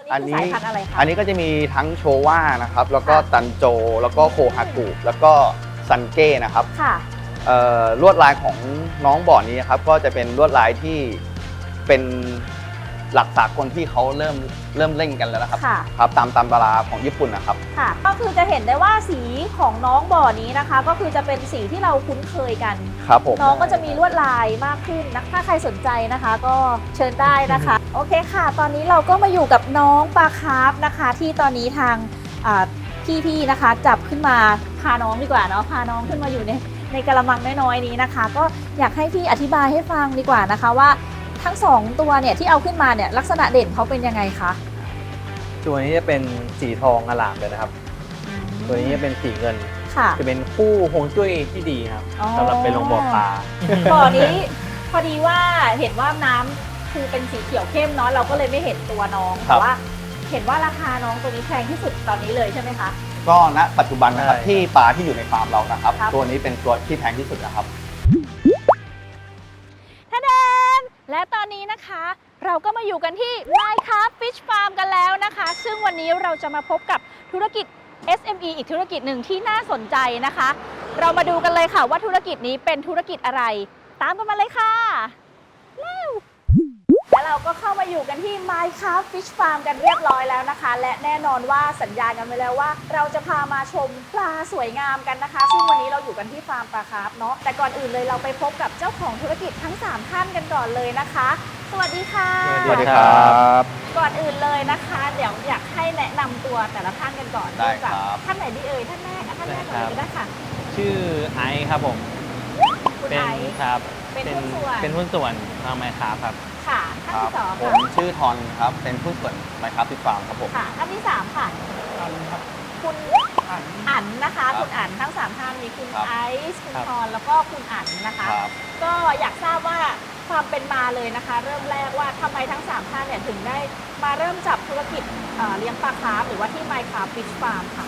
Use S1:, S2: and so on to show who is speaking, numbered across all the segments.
S1: อันนี้สายพันธุ์อะไรคะ
S2: อันนี้ก็จะมีทั้งโชว่านะครับแล้วก็ตันโจแล้วก็โคฮากุแล้วก็ซันเก้นะครับ
S1: ค่ะ
S2: ลวดลายของน้องบ่อนี้นะครับก็จะเป็นลวดลายที่เป็นหลักสากลที่เขาเริ่มเล่นกันแล้วนะครับครับตามตำราของญี่ปุ่นนะครับ
S1: ค่ะก็คือจะเห็นได้ว่าสีของน้องบ่อนี้นะคะก็คือจะเป็นสีที่เราคุ้นเคยกัน
S2: ครับผม
S1: น้องก็จะมีลวดลายมากขึ้นนะถ้าใครสนใจนะคะก็เชิญได้นะคะโอเคค่ะตอนนี้เราก็มาอยู่กับน้องปลาคาร์ฟนะคะที่ตอนนี้ทางพี่ๆนะคะจับขึ้นมาพาน้องดีกว่าเนาะพาน้องขึ้นมาอยู่ในกระมังน้อยๆนี้นะคะก็อยากให้พี่อธิบายให้ฟังดีกว่านะคะว่าทั้ง2ตัวเนี่ยที่เอาขึ้นมาเนี่ยลักษณะเด่นเขาเป็นยังไงคะ
S3: ตัวนี้จะเป็นสีทองอลามเลยนะครับตัวนี้จะเป็นสีเงินจะเป็นคู่ฮวงจุ้ยที่ดีครับสำหรับไปลงบ่อปลา
S1: บ่อนี้พอดีว่าเห็นว่าน้ำคือเป็นสีเขียวเข้มเนาะเราก็เลยไม่เห็นตัวน้องแต่ว่าเห็นว่าราคาน้องตัวนี้แพงที่สุดตอนนี้เลยใช่ไหมคะ
S2: ก็ณปัจจุบันนะครับที่ปลาที่อยู่ในฟาร์มเรานะครับตัวนี้เป็นตัวที่แพงที่สุดนะครับ
S1: และตอนนี้นะคะเราก็มาอยู่กันที่ Minecraft Fish Farm กันแล้วนะคะซึ่งวันนี้เราจะมาพบกับธุรกิจ SME อีกธุรกิจหนึ่งที่น่าสนใจนะคะเรามาดูกันเลยค่ะว่าธุรกิจนี้เป็นธุรกิจอะไรตามกันมาเลยค่ะและเราก็เข้ามาอยู่กันที่ Minecraft Fish Farm กันเรียบร้อยแล้วนะคะและแน่นอนว่าสัญญากันไว้แล้วว่าเราจะพามาชมปลาสวยงามกันนะคะซึ่งวันนี้เราอยู่กันที่ฟาร์มปลาคาร์ฟเนาะแต่ก่อนอื่นเลยเราไปพบกับเจ้าของธุรกิจทั้ง3ท่านกันก่อนเลยนะคะสวัสดีค่ะ
S2: สวัสดีครับ
S1: ก่อนอื่นเลยนะคะเดี๋ยวอยากให้แนะนำตัวแต่ละท่านกันก่อน
S2: ได้ครับ
S1: ท่านไหนดีเอ่ยท่านแรกก่อนเลยก็ได้ค่ะ
S3: ชื่อไอซ์ครับผม
S1: คุณไอซ์
S3: ครับ
S1: เป็นหุ้
S3: นส่วนทางไมค์ครับ
S1: ค่ะท่านที่2
S2: ผมชื่อทอนครับเป็นหุ้นส่วนไมค์ครับที่ฟาร์มครับผม
S1: ค่ะท่านที่3ค่ะคุณอั๋นนะคะคุณอั๋นทั้ง3ท่านมีคุณไอซ์คุณทอนแล้วก็คุณอั๋นนะคะก็อยากทราบว่าความเป็นมาเลยนะคะเริ่มแรกว่าทำไมทั้ง3ท่านเนี่ยถึงได้มาเริ่มจับธุรกิจเลี้ยงปลาคาร์ฟหรือว่าที่ Minecraft Fish Farm ค่ะ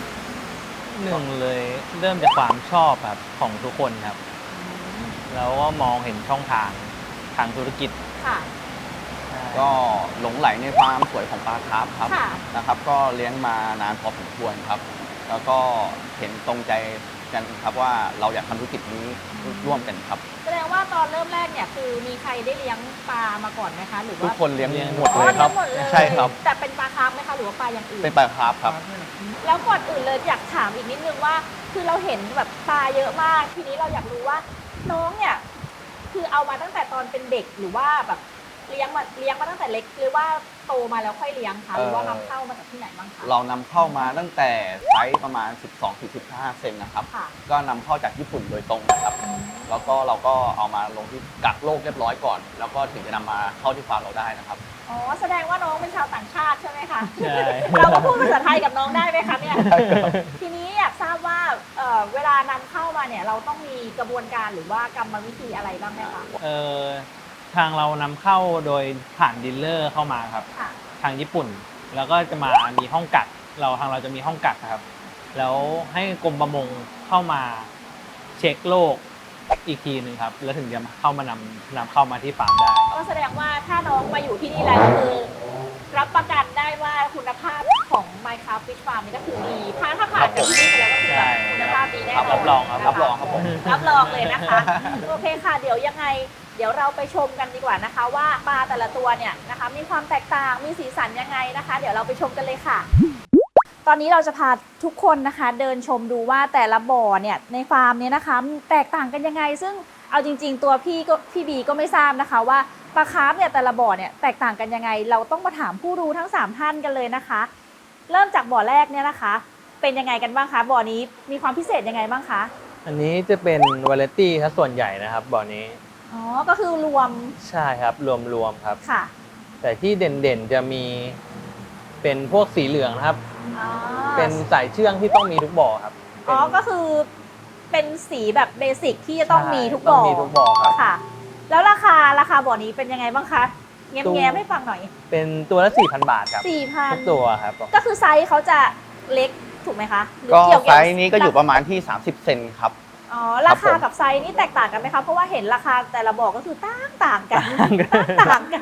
S3: 1เลยเริ่มจากความชอบครับของทุกคนครับแล้วก็มองเห็นช่องทางธุรกิจ
S1: ค่ะ
S2: ก็หลงไหลในความสวยของปลาคาร์ฟครับนะครับก็เลี้ยงมานานพอสมควรครับแล้วก็เห็นตรงใจกันครับว่าเราอยากทำธุรกิจนี้ร่วมกันครับ
S1: แสดงว่าตอนเริ่มแรกเนี่ยคือมีใครได้เลี้ยงปลามาก่อนไหมคะหรือว่า
S2: ทุกคนเลี้ยงหมดเลยครับใช่ครับ
S1: แต่เป็นปลาคาร์ฟไหมคะหรือว่าปลาอย่างอื่น
S2: เป็นปลาคาร์ฟครับ
S1: แล้วก่อนอื่นเลยอยากถามอีกนิดนึงว่าคือเราเห็นแบบปลาเยอะมากทีนี้เราอยากรู้ว่าน้องเนี่ยคือเอามาตั้งแต่ตอนเป็นเด็กหรือว่าแบบเลี้ยงมาตั้งแต่เล็กหรือว่าโตมาแล้วค่อยเลี้ยงคะหรือว่านำเข้ามาจากที่ไหนบ้างคะ
S2: เรานำเข้ามาตั้งแต่ไซส์ประมาณ 12-15 เซนนะครับก็นำเข้าจากญี่ปุ่นโดยตรงนะครับแล้วก็เราก็เอามาลงที่กักโรคเรียบร้อยก่อนแล้วก็ถึงจะนำมาเข้าที่ฟาร์มเราได้นะครับ
S1: อ๋อแสดงว่าน้องเป็นชาวต่างชาติใช่ไหมคะใช่เราก็พูดภาษาไทยกับน้องได้ไหมคะเนี่ยทีนี้อยากทราบว่าเวลานำเข้ามาเนี่ยเราต้องมีกระบวนการหรือว่ากรรมวิธีอะไรบ้างไหมคะ
S3: ทางเรานำเข้าโดยผ่านดีลเลอร์เข้ามาครับทางญี่ปุ่นแล้วก็จะมามีห้องกักทางเราจะมีห้องกักครับแล้วให้กรมประมงเข้ามาเช็คโรคอีกทีหนึ่งครับแล้วถึงจะเข้ามานำเข้ามาที่ฟาร์มได้
S1: ก็แสดงว่าถ้าน้องมาอยู่ที่นี่แล้วก็คือรับประกันได้ว่าคุณภาพของ Minecraft Fish Farm นี่ก็คือดีถ้าผ่านจากที่นี่ไปแล้วก็คือคุณภาพดีแน่นอน
S3: รับรองครับ
S2: รับรองครับผม
S1: รับรองเลยนะคะโอเคค่ะเดี๋ยวยังไงเดี๋ยวเราไปชมกันดีกว่านะคะว่าปลาแต่ละตัวเนี่ยนะคะมีความแตกต่างมีสีสันยังไงนะคะเดี๋ยวเราไปชมกันเลยค่ะตอนนี้เราจะพาทุกคนนะคะเดินชมดูว่าแต่ละบ่อเนี่ยในฟาร์มเนี่ยนะคะแตกต่างกันยังไงซึ่งเอาจริงๆตัวพี่บีก็ไม่ทราบนะคะว่าปลาคาร์ฟเนี่ยแต่ละบ่อเนี่ยแตกต่างกันยังไงเราต้องมาถามผู้รู้ทั้ง3ท่านกันเลยนะคะเริ่มจากบ่อแรกเนี่ยนะคะเป็นยังไงกันบ้างคะบ่อนี้มีความพิเศษยังไงบ้างคะ
S3: อันนี้จะเป็นวาไรตี้ถ้าส่วนใหญ่นะครับบ่อนี้
S1: อ๋อก็คือรวม
S3: ใช่ครับรวมครับ
S1: ค่ะ
S3: แต่ที่เด่นๆจะมีเป็นพวกสีเหลืองนะครับเป็นสายเชื่องที่ต้องมีทุกบ่อครับ
S1: อ๋อก็คือเป็นสีแบบเบสิกที่จะต้องมีทุกบ่อ
S3: ครับ
S1: ค่ะแล้วราคาบ่อนี้เป็นยังไงบ้างคะแง้มให้ฟังหน่อย
S3: เป็นตัวละ 4,000 บาทครับ
S1: 4,000
S3: ทุกตัวครับ
S1: ก็คือไซส์เขาจะเล็กถูกไหมคะ
S2: ก็ไซส์นี้ก็อยู่ประมาณที่30 เซนครับ
S1: อ๋อราคากับไซส์นี่แตกต่างกันไหมคะเพราะว่าเห็นราคาแต่ละบ่อก็คือต่างกัน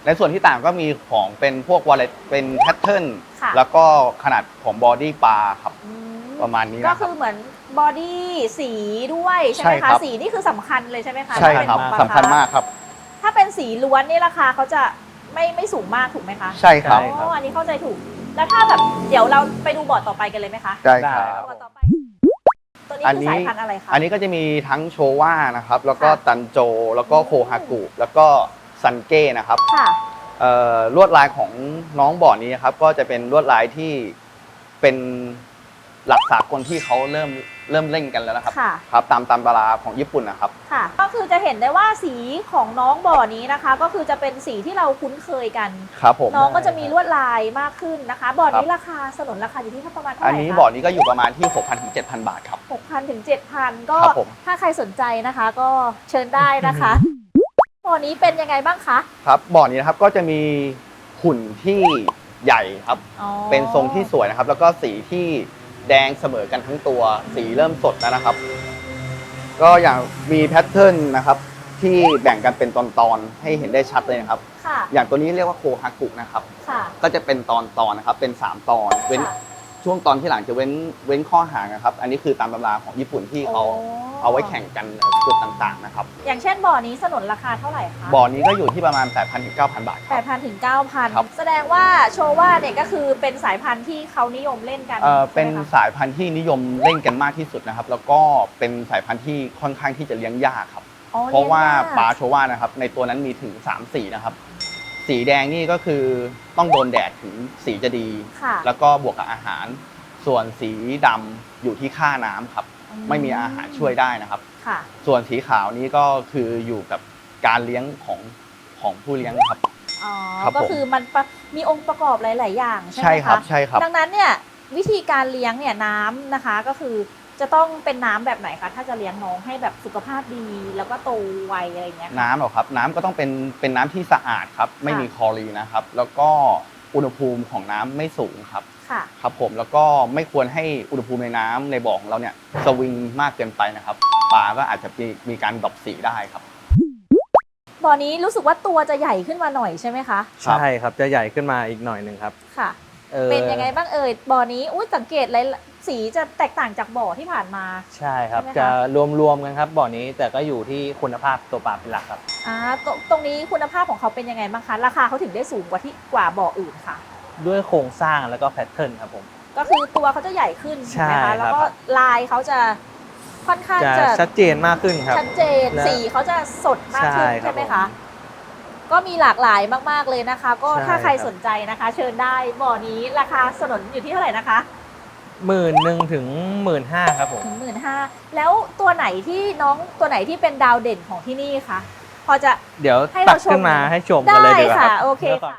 S2: ในส่วนที่ต่างก็มีของเป็นพวกวอลเล็ตเป็นแพทเทิร์น
S1: ค่ะ
S2: แล้วก็ขนาดของบอดี้ปลาครับ
S1: อืม
S2: ประมาณนี้
S1: ก็
S2: นะค
S1: คื
S2: รับ
S1: อเหมือนบอดี้สีด้วยใช่ไหม
S2: ใช่ครั
S1: คะ
S2: บ
S1: สีนี่คือสำคัญเลยใช่ไหมคะ
S2: ใช่ครับ
S1: ถ้าเป็นของปล
S2: สำคัญมากครับ
S1: ถ้าเป็นสีล้วนนี่ราคาเขาจะไม่สูงมากถูกไหมคะ
S2: ใช่ครับ
S3: ใช่
S1: อ๋ออันนี้เข้าใจถูก แล้วถ้าแบบเดี๋ยวเราไปดูบอร์ดต่อไปกันเลยไหมคะ
S2: ใช่ครับ
S1: บอร์ดต่อไป ตัวนี้คือสายพันธุ์อะไรคะ
S2: อันนี้ก็จะมีทั้งโชว่านะครับ แล้วก็
S1: ค่ะ
S2: ตันโจ แล้วก็โคฮากุ แล้วก็ซันเก้นะครับ
S1: ค่ะ
S2: ลวดลายของน้องบ่อนี้นะครับ ก็จะเป็นลวดลายที่เป็นหลักสากลที่เขาเริ่มเล่นกันแล้วนะครับ
S1: ค่ะ
S2: ครับตามตำราของญี่ปุ่นนะครับ
S1: ค่ะ ก็คือจะเห็นได้ว่าสีของน้องบ่อนี้นะคะ ก็คือจะเป็นสีที่เราคุ้นเคยกัน
S2: ครับผม
S1: น้องก็จะมีลวดลายมากขึ้นนะคะ บ่อนี้
S2: ครับ
S1: ราคาสนนราคาอยู่ที่ประมาณเท่าไห
S2: อั
S1: ร่
S2: น
S1: คะ
S2: นี้บ่อนี้ก็อยู่ประมาณที่ 6,000 ถึง 7,000 บาทครับ
S1: 6,000 ถึง 7,000 ก็
S2: ครับผม
S1: ถ้าใครสนใจนะคะ ก็เชิญได้นะคะ บ่อนี้เป็นยังไงบ้างคะ
S2: ครับบ่อนี้นะครับก็จะมีหุ่นที่ใหญ่ครับ
S1: อ๋อ
S2: เป็นทรงที่สวยนะครับ แล้วก็สีที่แดงเสมอกันทั้งตัว สีเริ่มสดแล้วนะครับ ก็อย่างมีแพทเทิร์นนะครับที่แบ่งกันเป็นตอนๆให้เห็นได้ชัดเลยนะครับ
S1: ค่ะ
S2: อย่างตัวนี้เรียกว่าโคฮากุนะครับ
S1: ค่ะ
S2: ก็จะเป็นตอนๆนะครับ เป็น 3 ตอน เว้น
S1: ค่ะ
S2: ช่วงตอนที่หลังจะเว้นข้อห่างนะครับ อันนี้คือตามตำราของญี่ปุ่นที่เขา
S1: โอ้
S2: เอาไว้แข่งกันจุดต่างๆนะครับ
S1: อย่างเช่นบ่อนี้สนนราคาเท่าไหร่คะ
S2: บ่อนี้ก็อยู่ที่ประมาณ 8,000 ถึง 9,000 บาทครับ
S1: 8,000 ถึง
S2: ครับ
S1: 9,000 แสดงว่าโชว่าเนี่ยก็คือเป็นสายพันธุ์ที่เขานิยมเล่นกัน
S2: เป็น
S1: ใช่ไหมคะ
S2: สายพันธุ์ที่นิยมเล่นกันมากที่สุดนะครับ แล้วก็เป็นสายพันธุ์ที่ค่อนข้างที่จะเลี้ยงยากครับ
S1: อ๋อ
S2: เพราะว่า
S1: ลี้ยงยก
S2: ปลาโชว่านะครับในตัวนั้นมีถึง3สีนะครับ สีแดงนี่ก็คือต้องโดนแดดถึงสีจะดี
S1: ค่ะ
S2: แล้วก็บวกกับอาหาร ส่วนสีดำอยู่ที่ค่าน้ำครับ ไม่มีอาหารช่วยได้นะครับ
S1: ค่ะ
S2: ส่วนสีขาวนี้ก็คืออยู่กับการเลี้ยงของผู้เลี้ยงครับ
S1: อ๋อ
S2: ครับ
S1: ก็
S2: ผม
S1: คือมันมีองค์ประกอบหลาย ๆ อย่างใช่ไหม
S2: ใช่ครับ
S1: คะ
S2: ใช่ครับ
S1: ดังนั้นเนี่ยวิธีการเลี้ยงเนี่ยน้ำนะคะก็คือจะต้องเป็นน้ำแบบไหนคะถ้าจะเลี้ยงน้องให้แบบสุขภาพดี แล้วก็โตไวอะไรอย่างเงี้ยค่ะ
S2: น้ำเหรอครับ น้ำก็ต้องเป็นน้ำที่สะอาดครับ ไม่มีคลอรีนนะครับ แล้วก็อุณหภูมิของน้ำไม่สูงครับ
S1: ค่ะ
S2: ครับผมแล้วก็ไม่ควรให้อุณหภูมิในน้ำในบ่อของเราเนี่ยสวิงมากเกินไปนะครับปลาก็อาจจะมีการดรอปสีได้ครับ
S1: บ่อนี้รู้สึกว่าตัวจะใหญ่ขึ้นมาหน่อยใช่ไหมคะ
S3: ใช่ครับจะใหญ่ขึ้นมาอีกหน่อยหนึ่งครับ
S1: ค่ะ เป็นยังไงบ้างเอ่ยบ่อนี้อุ้ยสังเกตเลยสีจะแตกต่างจากบ่อที่ผ่านมา
S3: ใช่ครับ
S1: ใช่ไหมคะ
S3: จะรวมๆกันครับบ่อนี้แต่ก็อยู่ที่คุณภาพตัวปลาเป็นหลักครับ
S1: ตรงนี้คุณภาพของเขาเป็นยังไงบ้างคะราคาเขาถึงได้สูงกว่าบ่ออื่นค่ะ
S3: ด้วยโครงสร้างแล้วก็แพทเทิร์นครับผม
S1: ก็คือตัวเขาจะใหญ่ขึ้นถูกไหม
S3: ใช่ครั
S1: คะ
S3: บ
S1: แล้วก็ลายเขาจะค่อนข้าง
S3: จะ
S1: จะ
S3: ชัดเจนมากขึ้นครับ
S1: ชัดเจน
S3: และ
S1: สีเขาจะสดมากขึ้น
S3: ใช่ครับ
S1: ใช่ไหมคะก็มีหลากหลายมากๆเลยนะคะ ก็
S3: ใช่
S1: ถ้าใคร
S3: ครับ
S1: สนใจนะคะ เชิญได้บ่อนี้ราคาสนนอยู่ที่เท่าไหร่นะคะ
S3: 11,000 ถึง 15,000ครับผม
S1: ถึง15,000แล้วตัวไหนที่น้องตัวไหนที่เป็นดาวเด่นของที่นี่คะพอจะ
S3: เดี๋ยว
S1: ให้เรา
S3: ตักขึ้นมา
S1: ชม
S3: ให้ชมกันเลยดีกว่า
S1: ได้ค่ะ
S3: รับ
S1: โอเค
S3: ดี๋ยวก่น
S1: ค่ะ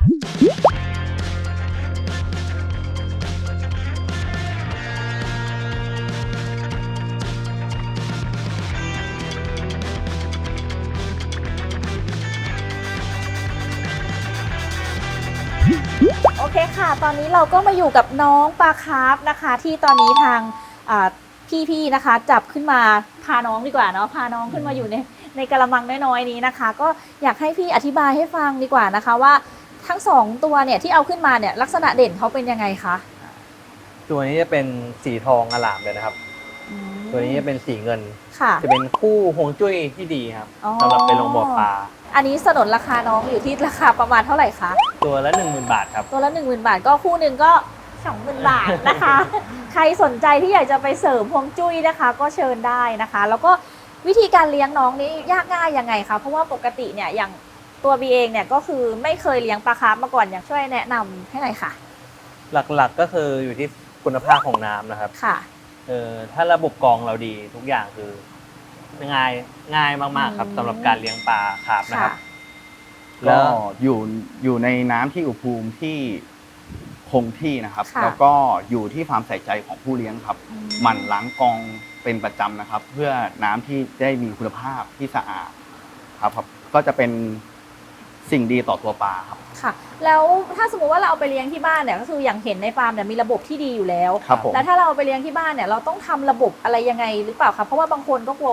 S1: โอเคค่ะ ตอนนี้เราก็มาอยู่กับน้องปลาคาร์ฟนะคะ ที่ตอนนี้ทางพี่ๆนะคะ จับขึ้นมาพาน้องดีกว่าเนาะพาน้องขึ้นมาอยู่ในกระมังน้อยๆนี้นะคะ ก็อยากให้พี่อธิบายให้ฟังดีกว่านะคะว่าทั้งสองตัวเนี่ยที่เอาขึ้นมาเนี่ยลักษณะเด่นเขาเป็นยังไงคะ
S3: ตัวนี้จะเป็นสีทองอลามเลยนะครับ
S1: อืม
S3: ตัวนี้จะเป็นสีเงิน
S1: ค่ะ
S3: จะเป็นคู่ฮวงจุ้ยที่ดีครับ
S1: อ๋อ
S3: สำหรับไปลงบ่อปลา
S1: อันนี้สนนราคาน้องอยู่ที่ราคาประมาณเท่าไหร่คะ
S3: ตัวละ 10,000 บาทครับ
S1: ตัวละ 10,000 บาทก็คู่หนึ่งก็ 20,000 บาทนะคะ ใครสนใจที่อยากจะไปเสริมฮวงจุ้ยนะคะ ก็เชิญได้นะคะ แล้วก็วิธีการเลี้ยงน้องนี้ยากง่ายยังไงคะเพราะว่าปกติเนี่ยอย่างตัวบีเองเนี่ยก็คือไม่เคยเลี้ยงปลาคาร์ฟมาก่อนอยากช่วยแนะนำให้หน่อยค่ะ
S3: หลักๆก็คืออยู่ที่คุณภาพของน้ำนะครับ
S1: ค่ะ
S3: ถ้าระบบกรองเราดีทุกอย่างคือง่ายมากๆครับ
S1: อืม
S3: สำหรับการเลี้ยงปลาคาร์ฟนะครับ
S2: ก็อยู่ในน้ำที่อุณหภูมิที่คงที่นะครับ
S1: ค่ะ
S2: แล้วก็อยู่ที่ความใส่ใจของผู้เลี้ยงครับ
S1: อืม
S2: หมั่นล้างกรองเป็นประจำนะครับ เพื่อน้ำที่ได้มีคุณภาพที่สะอาดครับก็จะเป็นสิ่งดีต่อตัวปลาครับ
S1: ค่ะ แล้วถ้าสมมติว่าเราเอาไปเลี้ยงที่บ้านเนี่ยก็คืออย่างเห็นในฟาร์มเนี่ยมีระบบที่ดีอยู่แล้ว
S2: ครับผม
S1: แล้วถ้าเราเอาไปเลี้ยงที่บ้านเนี่ยเราต้องทำระบบอะไรยังไงหรือเปล่าคะเพราะว่าบางคนก็กลัวว่า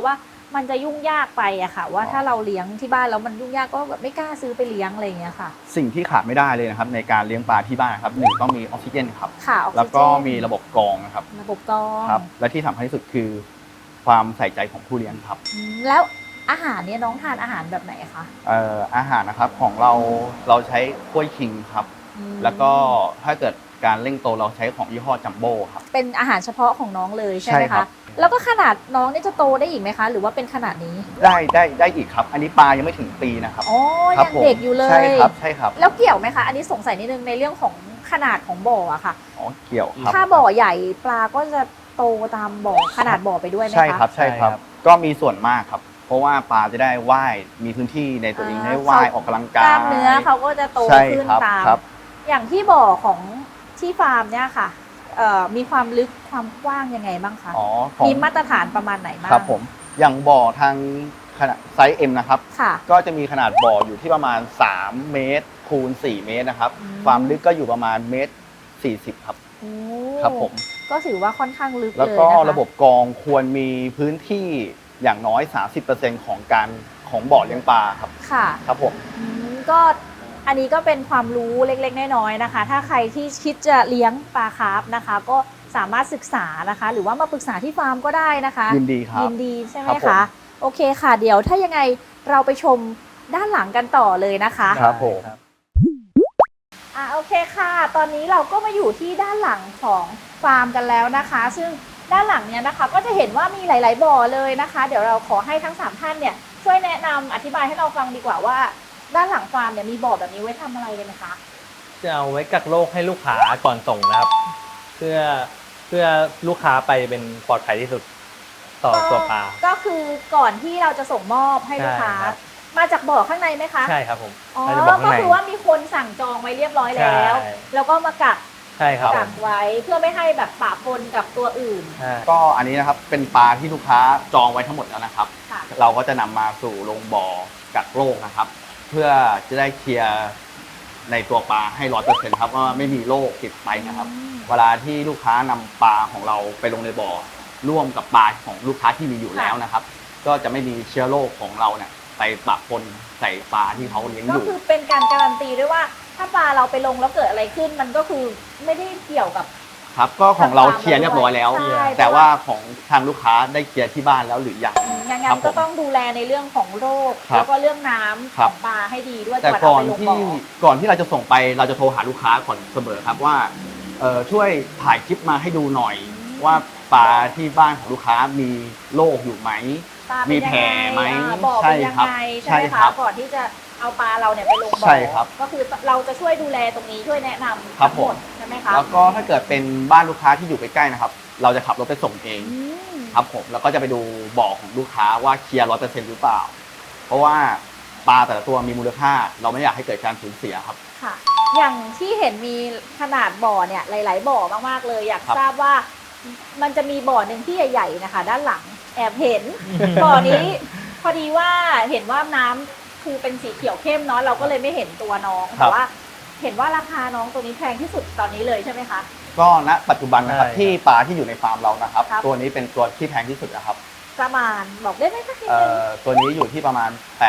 S1: มันจะยุ่งยากไปอะค่ะ ว่าถ้าเราเลี้ยงที่บ้านแล้วมันยุ่งยากก็แบบไม่กล้าซื้อไปเลี้ยงอะไรอย่างเงี้ยค่ะ
S2: สิ่งที่ขาดไม่ได้เลยนะครับในการเลี้ยงปลาที่บ้านครับหนึ่งต้องมีออกซิเจนครับ
S1: ค่ะออกซิเจน
S2: แล้วก็มีระบบกรองนะครับ
S1: ระบบกรอง
S2: ครับและที่สำคัญที่สุดคือความใส่ใจของผู้เลี้ยงครับ
S1: แล้วอาหารเนี่ยน้องทานอาหารแบบไหนคะ
S2: อาหารนะครับของเราใช้กล้วยคิงครับ แล้วก็ถ้าเกิดการเร่งโตเราใช้ของยี่ห้อจัมโบ้ครับ
S1: เป็นอาหารเฉพาะของน้องเลยใช่ไหม
S2: ใช่ครั
S1: คะ
S2: บ
S1: แล้วก็ขนาดน้องเนี่ยจะโตได้อีกไหมคะ หรือว่าเป็นขนาดนี้
S2: ได้อีกครับ อันนี้ปลายังไม่ถึงปีนะครับ
S1: อ๋อ
S2: ครั
S1: ยัง
S2: ผม
S1: เด็กอยู่เลย
S2: ใช่ครับ
S1: แล้วเกี่ยวไหมคะ อันนี้สงสัยนิดนึงในเรื่องของขนาดของบ่ออะค่ะ
S2: อ๋อเกี่ยวครับ
S1: ถ้าบ่อใหญ่ปลาก็จะโตตามบ่อขนาดบ่อไปด้วยไหมคะ
S2: ใช่ครับ ก็มีส่วนมากครับ เพราะว่าปลาจะได้ว่ายมีพื้นที่ในตัวเองให้ว่ายออกกำลัง
S1: ก
S2: กาย
S1: ล้ามเนื้อเขาก็จะโต
S2: ใช่
S1: ขึ้น
S2: ครับ
S1: ตาม
S2: ครับ
S1: อย่างที่บ่อของที่ฟาร์มเนี่ยค่ะมีความลึกความกว้างยังไงบ้างคะ
S2: อ๋อของ
S1: มีมาตรฐานประมาณไหนบ้าง
S2: ครับผมอย่างบ่อทางขนาดไซส์ M นะครับ
S1: ค่ะ
S2: ก็จะมีขนาดบ่ออยู่ที่ประมาณ3เมตรคูณ4เมตรนะครับ
S1: อืม
S2: ความลึกก็อยู่ประมาณเมตร40ครับ
S1: โอ้
S2: ครับผม
S1: ก็ถือว่าค่อนข้างลึกเลย
S2: แล้วก็
S1: นะคะ
S2: ระบบกรองควรมีพื้นที่อย่างน้อย 30%ของบ่อเลี้ยงปลาครับ
S1: ค่ะ
S2: ครับผม
S1: ก็อันนี้ก็เป็นความรู้เล็กๆน้อยๆนะคะ ถ้าใครที่คิดจะเลี้ยงปลาคาร์ฟนะคะ ก็สามารถศึกษานะคะ หรือว่ามาปรึกษาที่ฟาร์มก็ได้นะคะ
S2: ยินดีครับ
S1: ยินดีใช่ไหม
S2: ครับผม
S1: คะโอเคค่ะ เดี๋ยวถ้ายังไงเราไปชมด้านหลังกันต่อเลยนะคะ
S2: ครับผม
S1: โอเคค่ะ ตอนนี้เราก็มาอยู่ที่ด้านหลังของฟาร์มกันแล้วนะคะ ซึ่งด้านหลังเนี้ยนะคะก็จะเห็นว่ามีหลาย ๆ บ่อเลยนะคะ เดี๋ยวเราขอให้ทั้ง3ท่านเนี่ยช่วยแนะนำอธิบายให้เราฟังดีกว่าว่าด้านหลังฟาร์มเนี่ยมีบ่อแบบนี้ไว้ทำอะไรกันนะคะ
S3: จะเอาไว้กักโรคให้ลูกค้าก่อนส่งนะครับ เพื่อลูกค้าไปเป็นปลอดภัยที่สุดต่อตัวปลา
S1: ก็คือก่อนที่เราจะส่งมอบให้ลูกค้า
S3: ใช่ครับ
S1: มาจากบ่อข้างในไหมคะ
S3: ใช่ครับผม
S1: อ๋อ
S3: เราจะบอกข้าง
S1: ก็
S3: ใน
S1: คือว่ามีคนสั่งจองไว้เรียบร้อยแล้ว
S3: ใช่
S1: แล้วก็มากัก
S3: ใช่ครับ
S1: กักไว้เพื่อไม่ให้แบบปะปนกับตัวอื่น
S3: ใช่
S2: ก็อันนี้นะครับเป็นปลาที่ลูกค้าจองไว้ทั้งหมดแล้วนะครับ
S1: ค่ะ
S2: เราก็จะนำมาสู่โรงบ่อกักโรคนะครับ เพื่อจะได้เคลียร์ในตัวปลาให้ 100%ครับว่าไม่มีโรคติดไปนะครับ เวลาที่ลูกค้านำปลาของเราไปลงในบ่อร่วมกับปลาของลูกค้าที่มีอยู่แล้วนะครับ ก็จะไม่มีเชื้อโรคของเราเนี่ยไปปะปนใส่ปลาที่เขาเลี้ยงอ
S1: ก็
S2: ยู่
S1: คือเป็นการการันตีด้วยว่า ถ้าปลาเราไปลงแล้วเกิดอะไรขึ้น มันก็คือไม่ได้เกี่ยวกับ
S2: ครับก็ของเราเคลียร์เรียบร้อยแล้ว
S1: ใช่
S2: แต่ว่าของทางลูกค้าได้เคลียร์ที่บ้านแล้วหรือยัง
S1: อย่าง
S2: ค
S1: นั้
S2: รั
S1: น
S2: บ
S1: ก็
S2: ผม
S1: ต้องดูแลในเรื่องของโรค
S2: ครับ
S1: แล้วก็เรื่องน้ำ
S2: ครั
S1: ข
S2: บ
S1: องปลาให้ดีด้วย
S2: แต่
S1: ก่อน
S2: ก่
S1: เอา
S2: อน
S1: ไปลง
S2: ที่
S1: บ่อ
S2: ก่อนที่เราจะส่งไปเราจะโทรหาลูกค้าก่อนเสมอครับว่าช่วยถ่ายคลิปมาให้ดูหน่อย ว่าปลาที่บ้านของลูกค้ามีโรคอยู่ไหม
S1: ปลา
S2: มี
S1: เป็น
S2: แผล
S1: ยังไง
S2: ไหม
S1: บ่อเป็นยัง
S2: ใช่ครับ
S1: ไงใช่
S2: ใช่
S1: ไหม
S2: ครั
S1: คะ
S2: บ
S1: ก่อนที่จะเอาปลาเราเนี่ยไปลงบ่อ
S2: ใช่ครับ
S1: ก็คือเราจะช่วยดูแลตรงนี้ช่วยแนะนำ
S2: ครับ
S1: ทั้งหมด
S2: ผม
S1: ใช่ไหมคะ
S2: แล้วก็ถ้าเกิดเป็นบ้านลูกค้าที่อยู่ใกล้ๆนะครับ เราจะขับรถไปส่งเอง
S1: อืม
S2: ครับผมแล้วก็จะไปดูบ่อของลูกค้าว่าเคลียร์100%หรือเปล่า เพราะว่าปลาแต่ละตัวมีมูลค่า เราไม่อยากให้เกิดการสูญเสียครับ
S1: ค่ะ อย่างที่เห็นมีขนาดบ่อเนี่ยหลาย ๆ บ่อมากๆเลยอยาก
S2: ครับ
S1: ทราบว่ามันจะมีบ่อหนึ่งที่ใหญ่ๆนะคะ ด้านหลังแอบเห็น บ่อนี้พอดีว่าเห็นว่าน้ำคือเป็นสีเขียวเข้มเนาะเราก็เลยไม่เห็นตัวน้อง
S2: ครั
S1: แต่
S2: บ
S1: ว่าเห็นว่าราคาน้องตัวนี้แพงที่สุดตอนนี้เลยใช่ไหมคะ
S2: ก็ณปัจจุบันนะครับ
S3: ใช่
S2: ที่ปลาที่อยู่ในฟาร์มเรานะครับ
S1: ครับ
S2: ตัวนี้เป็นตัวที่แพงที่สุดนะครับ
S1: ประมาณบอกได้ไหมสักนิด
S2: เอ่
S1: นึง
S2: ตัวนี้อยู่ที่ประมาณ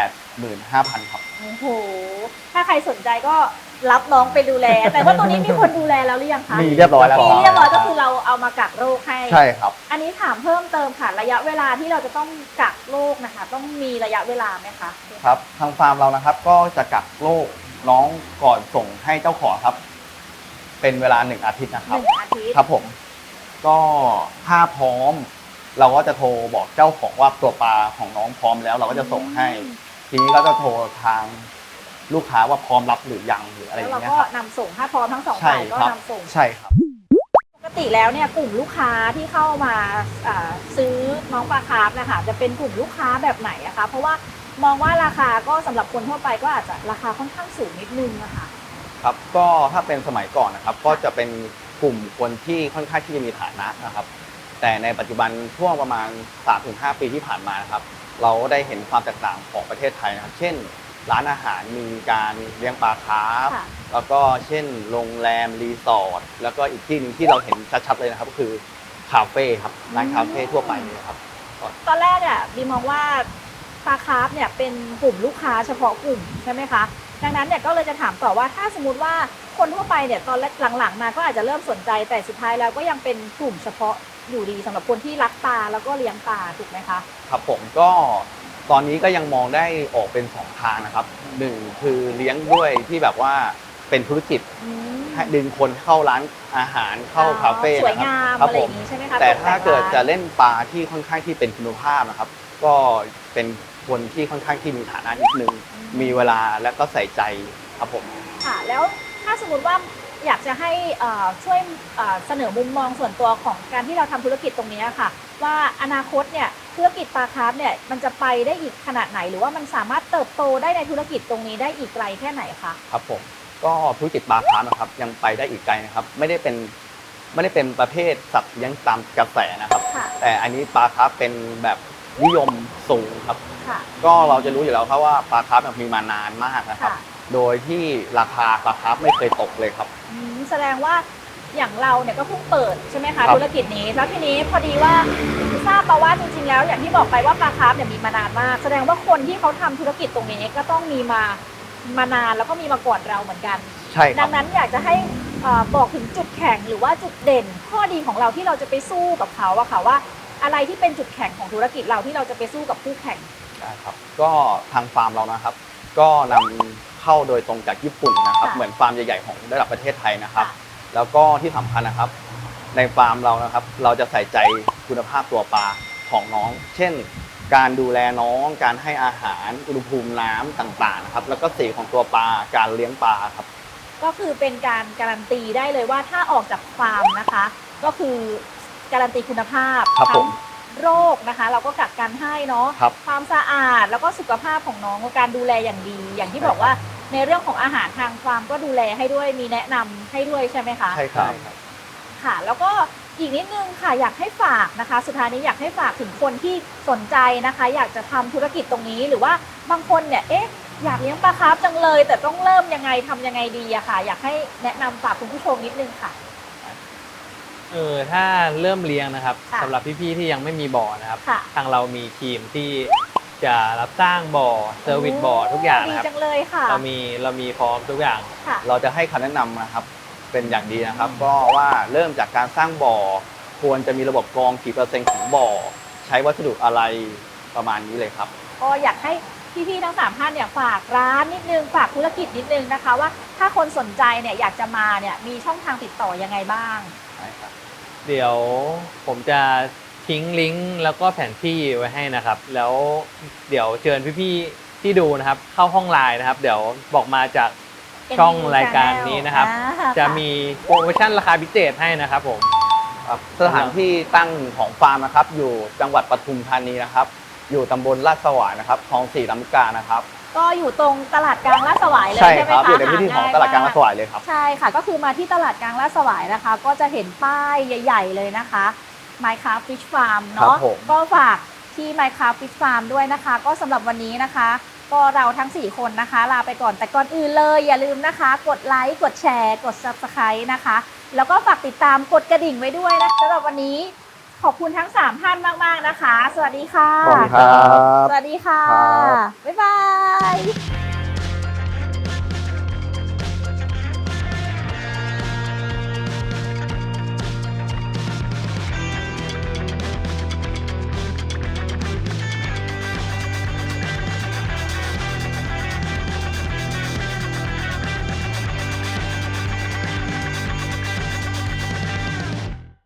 S2: 85,000 ครับ
S1: โอ้โหถ้าใครสนใจก็รับน้องไปดูแล แต่ว่าตัวนี้มีคนดูแลแล้วหรือยังคะ
S2: มีเรียบร้อยแล้ว
S1: มี
S2: ครับ
S1: เรียบร้อยก็คือเราเอามากักโรคให้
S2: ใช่ครับ
S1: อันนี้ถามเพิ่มเติมค่ะระยะเวลาที่เราจะต้องกักโรคนะคะ ต้องมีระยะเวลาไหมคะ
S2: ครับทางฟาร์มเรานะครับก็จะกักโรคน้องก่อนส่งให้เจ้าของครับ เป็นเวลา1 อาทิตย์นะค
S1: ห
S2: รับ
S1: นึ่งอาทิตย์
S2: ครับผมก็ถ้าพร้อม เราก็จะโทรบอกเจ้าของว่าตัวปลาของน้องพร้อมแล้ว เราก็จะส่งให้ ทีนี้ก็จะโทรทางลูกค้าว่าพร้อมรับหรือยังหรืออะไรอ
S1: แล้ว
S2: ย่าง
S1: เรา
S2: เงี้ย
S1: ก็
S2: ครับ
S1: นำส่งถ้าพร้อมทั้งสอง
S2: ใช่
S1: ฝ่ายก็
S2: ครับ
S1: นำส่ง
S2: ใช่ครับ
S1: ปกติแล้วเนี่ยกลุ่มลูกค้าที่เข้ามาซื้อน้องปลาคาร์ฟนะคะจะเป็นกลุ่มลูกค้าแบบไหนอะคะเพราะว่ามองว่าราคาก็สำหรับคนทั่วไปก็อาจจะราคาค่อนข้างสูงนิดนึงนะคะ
S2: ครับก็ถ้าเป็นสมัยก่อนนะครับ ก็จะเป็นกลุ่มคนที่ค่อนข้างที่จะมีฐานะนะครับ แต่ในปัจจุบันช่วงประมาณ 3-5 ปีที่ผ่านมานะครับ เราได้เห็นความแตกต่างของประเทศไทยนะครับ เช่น ร้านอาหารมีการเลี้ยงปลาคาร์ฟ
S1: ค่ะ
S2: แล้วก็เช่นโรงแรมรีสอร์ทแล้วก็อีกที่หนึงที่เราเห็นชัดๆเลยนะครับก็คือคาเฟ่ครับร้านคาเฟ่ทั่วไปเลยครับ
S1: ตอนแรกอ่ะบีมองว่าปลาคาร์ฟเนี่ยเป็นกลุ่มลูกค้าเฉพาะกลุ่มใช่ไหมคะดังนั้นเนี่ยก็เลยจะถามต่อว่าถ้าสมมติว่าคนทั่วไปเนี่ยตอนหลังๆมาก็อาจจะเริ่มสนใจแต่สุดท้ายแล้วก็ยังเป็นกลุ่มเฉพาะอยู่ดีสำหรับคนที่รักปลาแล้วก็เลี้ยงปลาถูกไหมคะ
S2: ครับผมก็ตอนนี้ก็ยังมองได้ออกเป็น2 ทางนะครับหนึ่งคือเลี้ยงด้วยที่แบบว่าเป็นธุรกิจให้ดึงคนเข้าร้านอาหารเข้าคาเฟ่
S1: สวย
S2: นะค
S1: งา
S2: รับ
S1: ม
S2: ครับ
S1: อะไร
S2: ผ
S1: อ
S2: ม
S1: ย่างนี้ใช่ไหมคะ
S2: แต่
S1: ตก
S2: ถ้า
S1: แต่ง
S2: เกิดจะ
S1: ร้าน
S2: เล่นปลาที่ค่อนข้างที่เป็นคุณภาพนะครับ ก็เป็นคนที่ค่อนข้างที่มีฐานะนิดนึงมีเวลาและก็ใส่ใจครับผม
S1: ค่ะแล้วถ้าสมมติว่าอยากจะให้ช่วยเสนอมุมมองส่วนตัวของการที่เราทำธุรกิจตรงนี้ค่ะว่าอนาคตเนี่ยธุรกิจปลาคาร์ฟเนี่ยมันจะไปได้อีกขนาดไหนหรือว่ามันสามารถเติบโตได้ในธุรกิจตรงนี้ได้อีกไกลแค่ไหนคะ
S2: ครับผมก็ธุรกิจปลาคาร์ฟนะครับยังไปได้อีกไกลนะครับไม่ได้เป็นประเภทสัตว์เลี้ยงตามกระแสนะครับ
S1: ค่ะ
S2: แต่อันนี้ปลาคาร์ฟเป็นแบบนิยมสูงครับ
S1: ค่ะ
S2: ก็เราจะรู้อยู่แล้วครับว่าปลาคาร์ฟมีมานานมากนะครับ
S1: ค่ะ
S2: โดยที่ราคาปลาคาร์ฟไม่เคยตกเลยครับ
S1: แสดงว่าอย่างเราเนี่ยก็เพิ่งเปิดใช่ไหมคะ
S2: ครับ
S1: ธุรกิจนี้แล้วทีนี้พอดีว่าทราบมาว่าจริงๆแล้วอย่างที่บอกไปว่าปลาคาร์ฟเนี่ยมีมานานมาก แสดงว่าคนที่เขาทำธุรกิจตรงนี้ก็ต้องมีมานานแล้วก็มีมาก่อนเราเหมือนกัน
S2: ใช่ค
S1: ดั
S2: รับ
S1: งนั้นอยากจะให้บอกถึงจุดแข็งหรือว่าจุดเด่น ข้อดีของเราที่เราจะไปสู้กับเขาอะค่ะว่าอะไรที่เป็นจุดแข็งของธุรกิจเราที่เราจะไปสู้กับคู่แข่ง
S2: ได้ครับก็ทางฟาร์มเรานะครับ ก็นำเข้าโดยตรงจากญี่ปุ่นนะครับ
S1: ค่ะ
S2: เหมือนฟาร์มใหญ่ๆของระดับประเทศไทยนะครับ
S1: ค่ะ
S2: แล้วก็ที่สำคัญนะครับ ในฟาร์มเรานะครับ เราจะใส่ใจคุณภาพตัวปลาของน้อง เช่น การดูแลน้องการให้อาหารอุณหภูมิน้ำต่างๆนะครับแล้วก็สีของตัวปลาการเลี้ยงปลาครับ
S1: ก็คือเป็นการการันตีได้เลยว่าถ้าออกจากฟาร์มนะคะ ก็คือการันตีคุณภาพ
S2: ครับผม
S1: ทั้งโรคนะคะ เราก็กักกันให้เนาะ
S2: ครับ
S1: ความสะอาดแล้วก็สุขภาพของน้องการดูแลอย่างดี อย่างที่บอกว่าในเรื่องของอาหารทางฟาร์มก็ดูแลให้ด้วยมีแนะนำให้ด้วยใช่ไหมคะ
S2: ใช่ครับ
S1: ค่ะ แล้วก็อีกนิดนึงค่ะอยากให้ฝากนะคะ สุดท้ายนี้อยากให้ฝากถึงคนที่สนใจนะคะ อยากจะทำธุรกิจตรงนี้หรือว่าบางคนเนี่ยอยากเลี้ยงปลาคาร์ฟจังเลย แต่ต้องเริ่มยังไงทำยังไงดีอะค่ะ อยากให้แนะนำฝากคุณผู้ชมนิดนึงค่ะ
S3: ถ้าเริ่มเลี้ยงนะครับ
S1: ค่ะ
S3: สำหรับพี่ๆที่ยังไม่มีบ่อนะครับ
S1: ค่ะ
S3: ทางเรามีทีมที่จะรับสร้างบ่อเซอร์วิสบ่อทุกอย่าง
S1: ดี
S3: นะครับ
S1: จังเลยค่ะ
S3: เรามีพร้อมทุกอย่าง
S1: ค่ะ
S2: เราจะให้คำแนะนำนะครับเป็นอย่างดีนะครับ ก็ว่าเริ่มจากการสร้างบ่อควรจะมีระบบกรองกี่เปอร์เซ็นต์ของบ่อใช้วัสดุอะไรประมาณนี้เลยครับ
S1: ก็อยากให้พี่ๆทั้ง3ท่านเนี่ยฝากร้านนิดนึงฝากธุรกิจนิดนึงนะคะ ว่าถ้าคนสนใจเนี่ยอยากจะมาเนี่ยมีช่องทางติดต่อยังไงบ้าง
S3: เดี๋ยวผมจะทิ้งลิงก์แล้วก็แผนที่ไว้ให้นะครับ แล้วเดี๋ยวเชิญพี่ๆที่ดูนะครับ เข้าห้องไลน์นะครับ เดี๋ยวบอกมาจากช่องรายการนี้นะครับ จะมีโปรโมชั่นราคาพิเศษให้นะครับผม
S2: ครับสถานที่ตั้งของฟาร์มนะครับอยู่จังหวัดปทุมธานีนะครับ อยู่ตำบลลาดสวายนะครับคลอง4 ลำลูกกานะครับ
S1: ก็อยู่ตรงตลาดกลางลาดสวายเลย
S2: ใช่
S1: ใช่ไหม
S2: ครับ
S1: คะ
S2: อยู่ในพื้นที่ของตลาดกลางลาดสวายเลยครับ
S1: ใช่ค่ะก็คือมาที่ตลาดกลางลาดสวายนะคะ ก็จะเห็นป้ายใหญ่ ๆ เลยนะคะ Minecraft Fish Farm
S2: ครั
S1: เนาะ
S2: บผม
S1: ก็ฝากที่ Minecraft Fish Farm ด้วยนะคะ ก็สำหรับวันนี้นะคะ ก็เราทั้ง 4 คนนะคะ ลาไปก่อนแต่ก่อนอื่นเลยอย่าลืมนะคะ กดไลค์กดแชร์กด Subscribe นะคะ แล้วก็ฝากติดตามกดกระดิ่งไว้ด้วยนะสำหรับวันนี้ขอบคุณทั้ง 3 ท่านมาก ๆ นะคะ สวัสดีค่ะ
S2: ขอบคุณครับ
S1: สวัสดีค่ะ
S2: ครับ
S1: บ๊ายบาย